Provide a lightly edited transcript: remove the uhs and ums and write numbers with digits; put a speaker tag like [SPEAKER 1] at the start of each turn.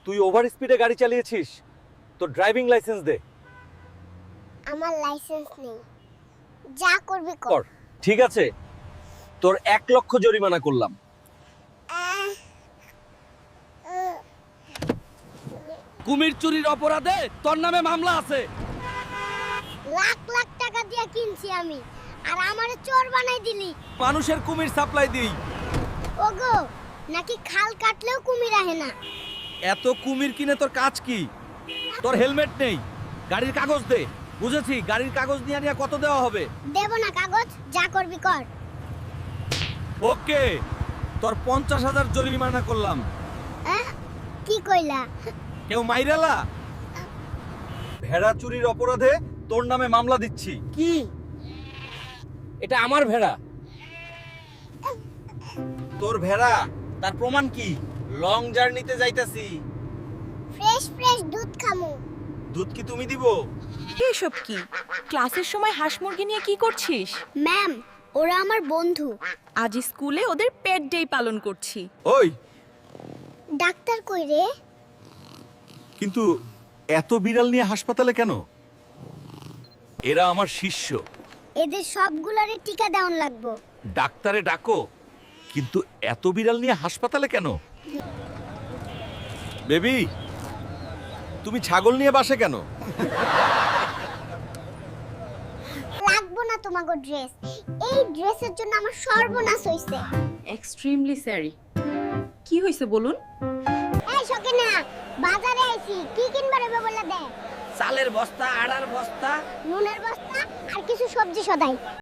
[SPEAKER 1] তুই ওভার স্পিডে গাড়ি চালিয়েছিস, তোর ড্রাইভিং লাইসেন্স দে।
[SPEAKER 2] আমার লাইসেন্স নেই, যা করবি কর।
[SPEAKER 1] কর, ঠিক আছে, তোর 1,00,000 জরিমানা করলাম।
[SPEAKER 2] আহ, আহ,
[SPEAKER 3] কুমির চুরির অপরাধে তোর নামে মামলা আছে।
[SPEAKER 2] লাখ লাখ টাকা দিয়ে কিনছি আমি, আর আমারে চোর বানাই দিলি।
[SPEAKER 3] মানুষের কুমির সাপ্লাই দিই।
[SPEAKER 2] ওগো, নাকি খাল কাটলেও কুমির আহে না?
[SPEAKER 3] এত কুমির কিনে তোর কাজ কি? তোর হেলমেট নেই, গাড়ির কাগজ দে। বুঝেছি, গাড়ির কাগজ নিয়ে নিয়ে কত দেওয়া হবে?
[SPEAKER 2] দেব না কাগজ, যা করবি কর।
[SPEAKER 3] ওকে, তোর 50,000 জরিমানা করলাম।
[SPEAKER 2] আহ, কি কইলা?
[SPEAKER 3] কেউ মাইরালা?
[SPEAKER 1] ভেড়া চুরির অপরাধে তোর নামে মামলা দিচ্ছি।
[SPEAKER 3] কি? এটা আমার ভেড়া।
[SPEAKER 1] তোর ভেড়া, তার প্রমাণ কি? লং জার্নিতে যাইতাছি,
[SPEAKER 2] ফ্রেশ ফ্রেশ দুধ খামু।
[SPEAKER 1] দুধ কি তুমি দিব?
[SPEAKER 4] এসব কি? ক্লাসের সময় হাঁস মুরগি নিয়ে কি করছিস?
[SPEAKER 2] ম্যাম, ওরা আমার বন্ধু।
[SPEAKER 4] আজ স্কুলে ওদের পেট ডে পালন করছি।
[SPEAKER 1] ওই,
[SPEAKER 2] ডাক্তার কই রে?
[SPEAKER 1] কিন্তু এত বিড়াল নিয়ে হাসপাতালে কেন? এরা আমার শিষ্য।
[SPEAKER 2] এদের সবগুলারে টিকা দেওয়ান লাগবো।
[SPEAKER 1] ডাক্তারে ডাকো, কিন্তু এত বিড়াল নিয়ে হাসপাতালে কেন? বেবি, তুমি ছাগল নিয়ে বাসে কেন?
[SPEAKER 2] লাগবো না তোমাগো ড্রেস। এই ড্রেসের জন্য আমার সর্বনাশ হইছে।
[SPEAKER 4] Extremely sorry. কি হয়েছে বলুন?
[SPEAKER 2] এই সকিনা, বাজারে আইছি, কি কিনবা রে বলে দে।
[SPEAKER 3] চালের বস্তা, আড়ার বস্তা,
[SPEAKER 2] নুনের বস্তা আর কিছু সবজি সদাই।